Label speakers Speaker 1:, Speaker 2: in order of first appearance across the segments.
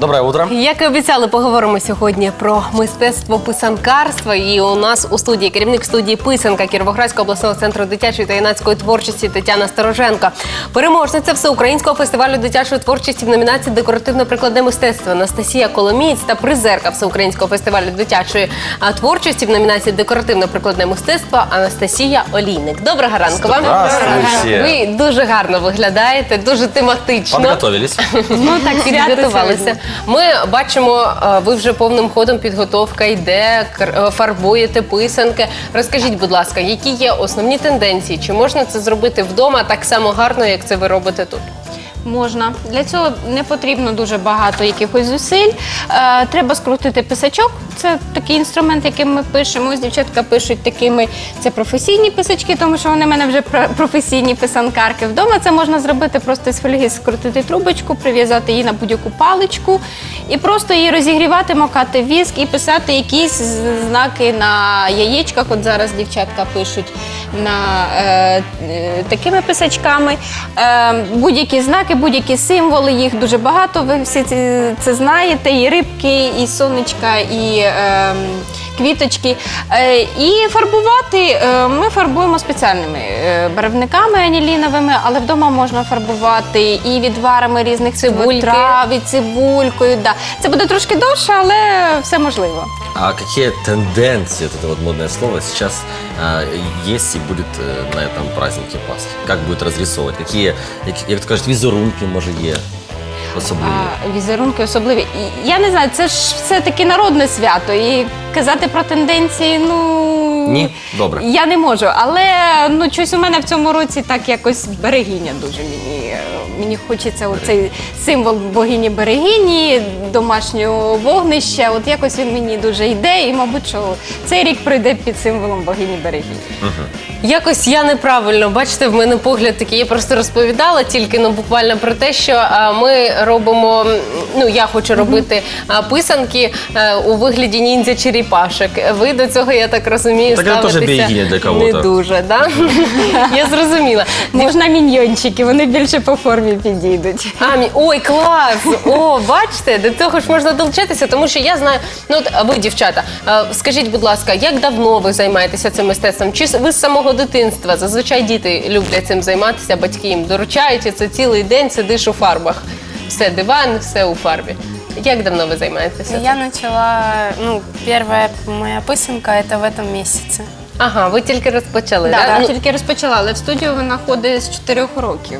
Speaker 1: Доброе утро.
Speaker 2: Як і обіцяли, поговоримо сьогодні про мистецтво писанкарства. І у нас у студії керівник студії «Писанка» Кіровоградського обласного центру дитячої та юнацької творчості Тетяна Стороженко. Переможниця Всеукраїнського фестивалю дитячої творчості в номінації «Декоративно-прикладне мистецтво» Анастасія Коломієць та призерка Всеукраїнського фестивалю дитячої творчості в номінації «Декоративно-прикладне мистецтво» Анастасія Олійник. Доброго ранку вам.
Speaker 1: Здравствуйте.
Speaker 2: Ви дуже гарно виглядаєте, дуже тематично.
Speaker 1: Подготовились.
Speaker 2: Ну так, підготувалися. Ми бачимо, ви вже повним ходом підготовка йде, фарбуєте писанки. Розкажіть, будь ласка, які є основні тенденції? Чи можна це зробити вдома так само гарно, як це ви робите тут?
Speaker 3: Можна. Для цього не потрібно дуже багато якихось зусиль. Треба скрутити писачок. Це такий інструмент, яким ми пишемо. Ось дівчатка пишуть такими, це професійні писачки, тому що вони в мене вже професійні писанкарки. Вдома це можна зробити просто з фольги, скрутити трубочку, прив'язати її на будь-яку паличку і просто її розігрівати, макати віск і писати якісь знаки на яєчках. От зараз дівчатка пишуть на такими писачками. Будь-які знаки, будь-які символи, їх дуже багато, ви всі це знаєте, і рибки, і сонечка, і квіточки. І фарбувати ми фарбуємо спеціальними барвниками аніліновими, але вдома можна фарбувати і відварами різних трав, і цибулькою. Да. Це буде трошки довше, але все можливо.
Speaker 1: А какие тенденции, это вот модное слово, сейчас есть и будет на этом празднике Пасхи? Как будет разрисовывать? Какие, як то кажуть, візерунки, може, є особливі?
Speaker 3: Візерунки особливі. Я не знаю, це ж все-таки народне свято. І казати про тенденції,
Speaker 1: Ні? Добре.
Speaker 3: Я не можу. Але щось у мене в цьому році так якось берегиня дуже мені хочеться оцей символ богині-берегині, домашнього вогнища. От якось він мені дуже йде і, мабуть, що цей рік пройде під символом богині-берегині.
Speaker 2: Якось я неправильно, бачите, в мене погляд такий, я просто розповідала тільки, буквально про те, що ми робимо, я хочу робити писанки у вигляді ніндзя-черепашок. Ви до цього, я так розумію,
Speaker 1: Так це теж
Speaker 2: ставитеся
Speaker 1: бігіння для кого-то.
Speaker 2: не дуже, так? Я зрозуміла.
Speaker 3: Можна міньйончики, вони більше по формі підійдуть.
Speaker 2: Ой, клас! О, бачите, до того ж можна долучитися, тому що я знаю, ви, дівчата, скажіть, будь ласка, як давно ви займаєтеся цим мистецтвом? Чи ви з самого дитинства? Зазвичай діти люблять цим займатися, батьки їм доручають, і це цілий день сидиш у фарбах. Все, диван, все у фарбі. Як давно ви займаєтеся?
Speaker 4: Я начала, первая моя писанка это в этом месяце.
Speaker 2: Ага, ви тільки розпочали,
Speaker 3: Так,
Speaker 2: так?
Speaker 3: тільки розпочала, але в студію вона ходить з 4 років.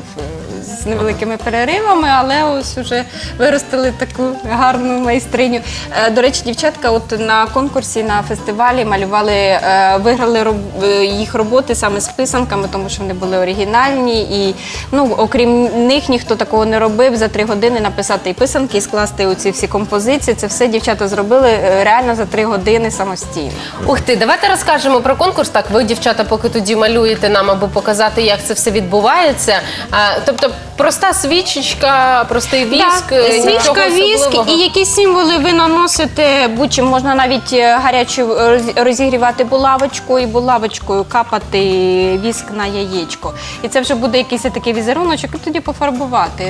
Speaker 3: З невеликими переривами, але ось вже виростили таку гарну майстриню. До речі, дівчатка от на конкурсі, на фестивалі малювали, виграли їх роботи саме з писанками, тому що вони були оригінальні і, окрім них, ніхто такого не робив. За 3 години написати і писанки, і скласти оці всі композиції. Це все дівчата зробили реально за 3 години самостійно.
Speaker 2: Ух ти, давайте розкажемо про конкурс. Так, ви, дівчата, поки тоді малюєте нам, аби показати, як це все відбувається. Тобто, проста свічечка, простий віск,
Speaker 3: свічка, віск і якісь символи ви наносите, будь-чим можна навіть гарячу розігрівати булавочку і булавочкою капати віск на яєчко. І це вже буде якийсь такий візеруночок, і тоді пофарбувати.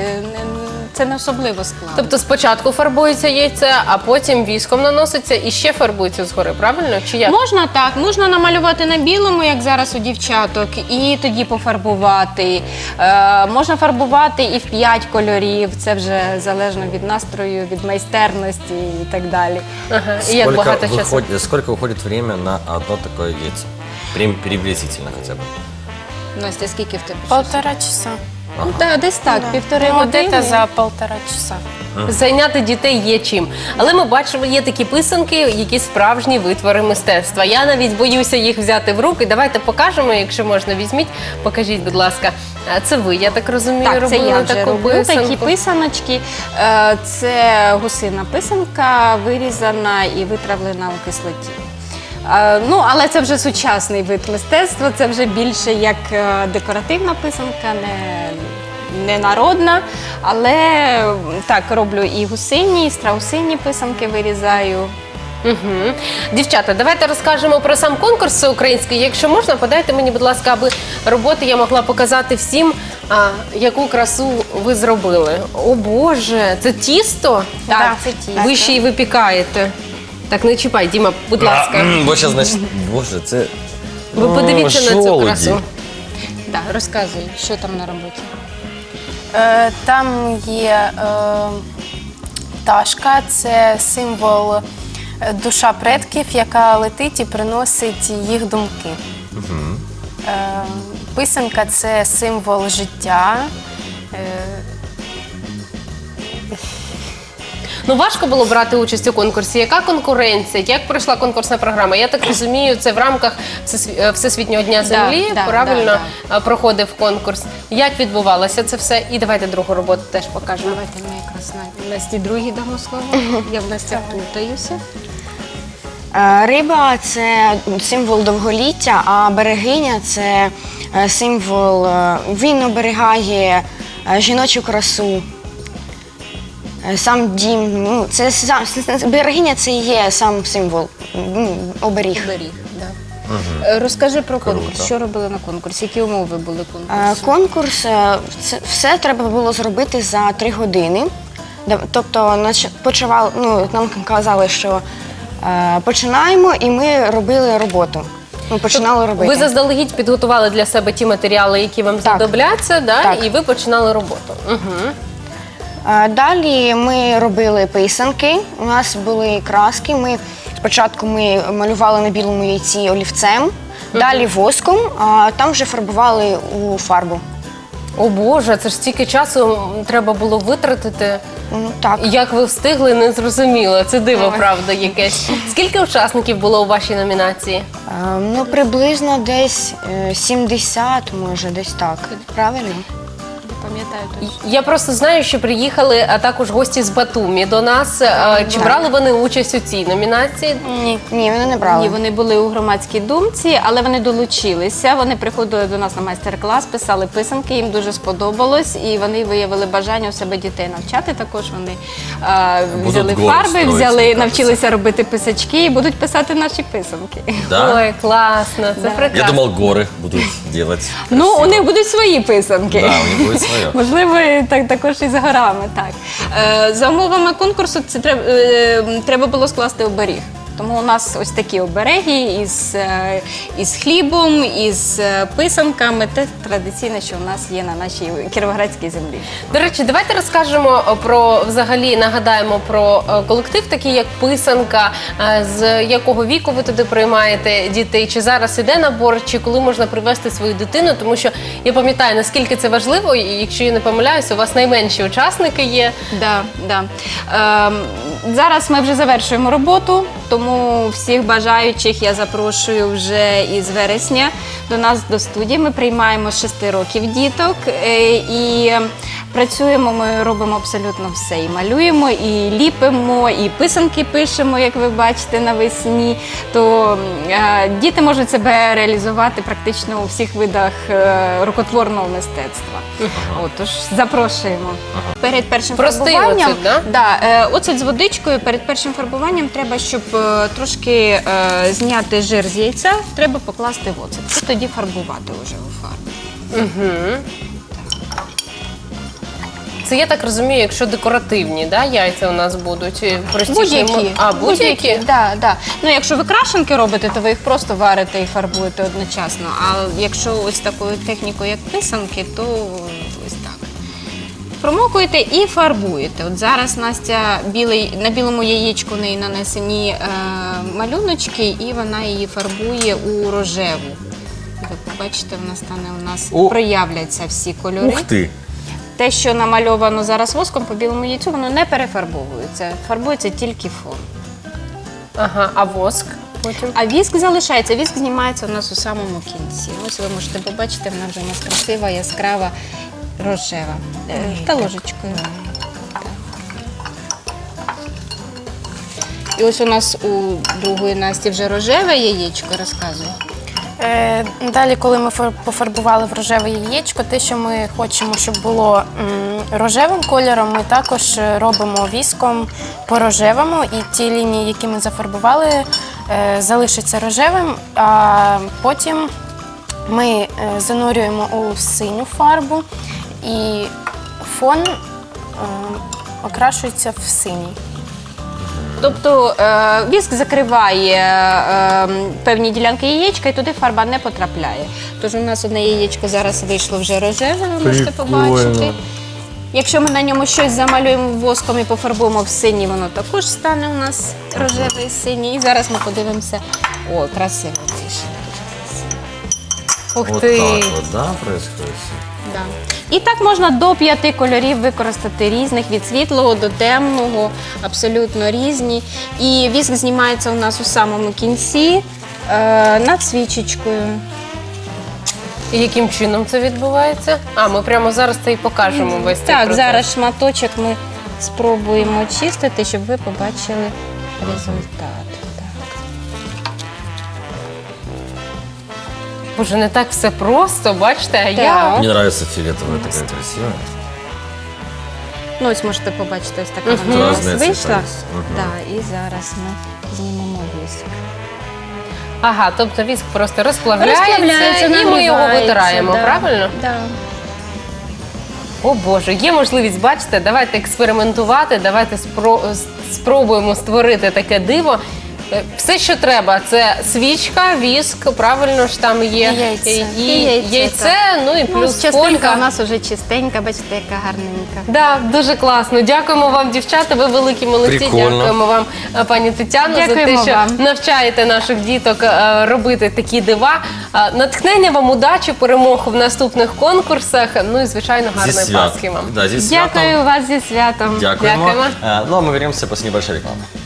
Speaker 3: Це не особливо складно.
Speaker 2: Тобто спочатку фарбується яйце, а потім віском наноситься і ще фарбується згори, правильно? Чи як?
Speaker 3: Можна так, можна намалювати на білому, як зараз у дівчаток, і тоді пофарбувати. Можна фарбувати і в 5 кольорів, це вже залежно від настрою, від майстерності і так далі.
Speaker 2: Ага. І як багато часу?
Speaker 1: Сколько уходит время на одно такое яйцо? Приблизительно хотя бы.
Speaker 3: Настя, скільки в тебе?
Speaker 4: 1,5 часа.
Speaker 3: Так, десь так, 1,5
Speaker 4: Вот
Speaker 3: години.
Speaker 4: это за 1,5 часа.
Speaker 2: Зайняти дітей є чим. Але ми бачимо, є такі писанки, які справжні витвори мистецтва. Я навіть боюся їх взяти в руки. Давайте покажемо, якщо можна, візьміть. Покажіть, будь ласка. Це ви, я так розумію,
Speaker 3: Так, це
Speaker 2: робили
Speaker 3: я вже
Speaker 2: таку
Speaker 3: роблю
Speaker 2: писанку.
Speaker 3: такі писаночки. Це гусина писанка, вирізана і витравлена у кислоті. Але це вже сучасний вид мистецтва, це вже більше як декоративна писанка, не народна. Але так, роблю і гусині, і страусині писанки вирізаю.
Speaker 2: Угу. Дівчата, давайте розкажемо про сам конкурс всеукраїнський. Якщо можна, подайте мені, будь ласка, аби роботи я могла показати всім, яку красу ви зробили. О Боже, це тісто?
Speaker 3: Так, це тісто.
Speaker 2: Ви ще й випікаєте. Так, не чіпай, Діма, будь ласка.
Speaker 1: Бо зараз, значить, боже, це...
Speaker 2: Ви подивіться на цю
Speaker 1: жолуді.
Speaker 2: красу.
Speaker 3: Да, розказуй, що там на роботі.
Speaker 4: Там є пташка, це символ душа предків, яка летить і приносить їх думки. Писанка – це символ життя.
Speaker 2: Ну, важко було брати участь у конкурсі. Яка конкуренція? Як пройшла конкурсна програма? Я так розумію, це в рамках Всесвітнього дня землі,
Speaker 3: да,
Speaker 2: правильно, проходив конкурс. Як відбувалося це все? І давайте другу роботу теж покажемо.
Speaker 3: Давайте ми якраз Насті другій дамо слово. Я в Насті плутаюся.
Speaker 5: Риба – це символ довголіття, а берегиня – це символ, він оберігає жіночу красу. Сам дім, ну, берегиня – це і є сам символ, оберіг.
Speaker 3: Розкажи про конкурс.
Speaker 1: Круто.
Speaker 3: Що робили на конкурсі? Які умови були конкурсу?
Speaker 5: Конкурс, все треба було зробити за 3 години. Тобто нам казали, що починаємо, і ми робили роботу. Ми починали робити.
Speaker 2: Ви заздалегідь підготували для себе ті матеріали, які вам знадобляться, да?
Speaker 5: Так.
Speaker 2: І ви починали роботу. Угу.
Speaker 5: Далі ми робили писанки, у нас були краски. Спочатку ми малювали на білому яйці олівцем, далі воском, а там вже фарбували у фарбу.
Speaker 2: О Боже, це ж стільки часу треба було витратити.
Speaker 5: Так.
Speaker 2: Як ви встигли, не зрозуміло. Це диво, правда, якесь. Скільки учасників було у вашій номінації?
Speaker 5: Приблизно десь 70, може, десь так. Правильно?
Speaker 3: Пам'ятаю точно.
Speaker 2: Я просто знаю, що приїхали також гості з Батумі до нас. Чи брали вони участь у цій номінації?
Speaker 4: Ні.
Speaker 5: Ні, вони не брали.
Speaker 3: Ні, вони були у громадській думці, але вони долучилися. Вони приходили до нас на майстер-клас, писали писанки, їм дуже сподобалось, і вони виявили бажання у себе дітей навчати. Також вони взяли
Speaker 1: гору
Speaker 3: фарби,
Speaker 1: строїть,
Speaker 3: взяли,
Speaker 1: мені
Speaker 3: навчилися робити писачки і будуть писати наші писанки.
Speaker 1: Да?
Speaker 2: Ой, класно, це прекрасно.
Speaker 1: Я думал, горы будут делать.
Speaker 3: Ну, у
Speaker 1: красиво.
Speaker 3: них будуть свої писанки.
Speaker 1: Да, у них будет свое.
Speaker 3: Можливо, і також і з горами. Так. За умовами конкурсу це треба було скласти оберіг. Тому у нас ось такі обереги із хлібом, із писанками. Те традиційне, що у нас є на нашій кіровоградській землі.
Speaker 2: До речі, давайте розкажемо взагалі нагадаємо про колектив, такий як Писанка, з якого віку ви туди приймаєте дітей, чи зараз іде набор, чи коли можна привезти свою дитину, тому що я пам'ятаю, наскільки це важливо, і якщо я не помиляюся, у вас найменші учасники є.
Speaker 3: Да. Зараз ми вже завершуємо роботу, тому всіх бажаючих я запрошую вже із вересня до нас до студії. Ми приймаємо з 6 років діток і працюємо, ми робимо абсолютно все. І малюємо, і ліпимо, і писанки пишемо, як ви бачите, навесні. То діти можуть себе реалізувати практично у всіх видах рукотворного мистецтва. Отож, запрошуємо. Перед першим
Speaker 2: Простий
Speaker 3: фарбуванням,
Speaker 2: оцет, да?
Speaker 3: оцет з водичкою, перед першим фарбуванням треба, щоб трошки зняти жир з яйця, треба покласти в оцет. І тоді фарбувати вже у фарбі.
Speaker 2: Це я так розумію, якщо декоративні, да, яйця у нас будуть простіші.
Speaker 3: Будь-які.
Speaker 2: А, будь-які?
Speaker 3: Да. Ну, якщо ви крашенки робите, то ви їх просто варите і фарбуєте одночасно. А якщо ось такою технікою, як писанки, то ось так. Промокуєте і фарбуєте. От зараз Настя на білому яєчку в неї нанесені малюночки, і вона її фарбує у рожеву. Ви побачите, вона стане проявляться всі кольори.
Speaker 1: Ух ты!
Speaker 3: Те, що намальовано зараз воском по білому яйцю, воно не перефарбовується. Фарбується тільки фон.
Speaker 2: Ага, а воск потім?
Speaker 3: А віск залишається. Віск знімається у нас у самому кінці. Ось ви можете побачити, вона вже у нас красива, яскрава, рожева. Та ложечкою. І ось у нас у другої Насті вже рожеве яєчко, розказує.
Speaker 4: Далі, коли ми пофарбували в рожеве яєчко, те, що ми хочемо, щоб було рожевим кольором, ми також робимо віском по рожевому, і ті лінії, які ми зафарбували, залишаться рожевим, а потім ми занурюємо у синю фарбу, і фон окрашується в синій.
Speaker 3: Тобто віск закриває певні ділянки яєчка, і туди фарба не потрапляє. Тож у нас одне яєчко зараз вийшло вже рожеве, ви можете побачити. Якщо ми на ньому щось замалюємо воском і пофарбуємо в синій, воно також стане у нас рожевий і синій. І зараз ми подивимося. О, красиво вийшло.
Speaker 2: Ух
Speaker 1: Вот
Speaker 2: ти!
Speaker 1: так вот, да, происходит?
Speaker 3: Да. І так можна до 5 кольорів використати різних, від світлого до темного, абсолютно різні. І віск знімається у нас у самому кінці над свічечкою.
Speaker 2: І яким чином це відбувається? А, ми прямо зараз це і покажемо весь цей
Speaker 3: Так,
Speaker 2: процес.
Speaker 3: зараз шматочок ми спробуємо очистити, щоб ви побачили результат. Так.
Speaker 2: Боже, не так все просто, бачите, а я...
Speaker 3: Так.
Speaker 1: Мне нравится фиолетовая, такая красивая.
Speaker 3: Ну, ось можете побачити, ось така
Speaker 1: Тут
Speaker 3: вона у нас
Speaker 1: різні
Speaker 3: вийшла.
Speaker 1: цвіта є.
Speaker 3: Так, і зараз ми знімемо віск.
Speaker 2: Ага, тобто віск просто розплавляється,
Speaker 3: Розплавляється,
Speaker 2: і ми його
Speaker 3: нагрівається,
Speaker 2: витираємо,
Speaker 3: да.
Speaker 2: правильно?
Speaker 3: Да.
Speaker 2: О Боже, є можливість, бачите, давайте експериментувати, давайте спробуємо створити таке диво. Все, що треба, це свічка, віск, правильно ж там є,
Speaker 4: І яйце.
Speaker 2: і
Speaker 3: І яйце,
Speaker 2: яйце, ну і
Speaker 3: Ну,
Speaker 2: плюс
Speaker 3: частинка
Speaker 2: фольга.
Speaker 3: у нас вже чистенька, бачите, яка гарненька.
Speaker 2: Да, дуже класно. Дякуємо вам, дівчата. Ви великі молодці.
Speaker 1: Прикольно.
Speaker 2: Дякуємо вам, пані Тетяно, за те,
Speaker 3: Дякуємо
Speaker 2: що
Speaker 3: вам.
Speaker 2: навчаєте наших діток робити такі дива. Натхнення вам, удачі, перемог в наступних конкурсах. Ну і звичайно, гарної Пасхи вам.
Speaker 1: Да, здесь
Speaker 3: Дякую вас зі святом.
Speaker 1: Дякуємо.
Speaker 2: Дякуємо.
Speaker 1: Ну а мы вернемся после небольшой рекламы.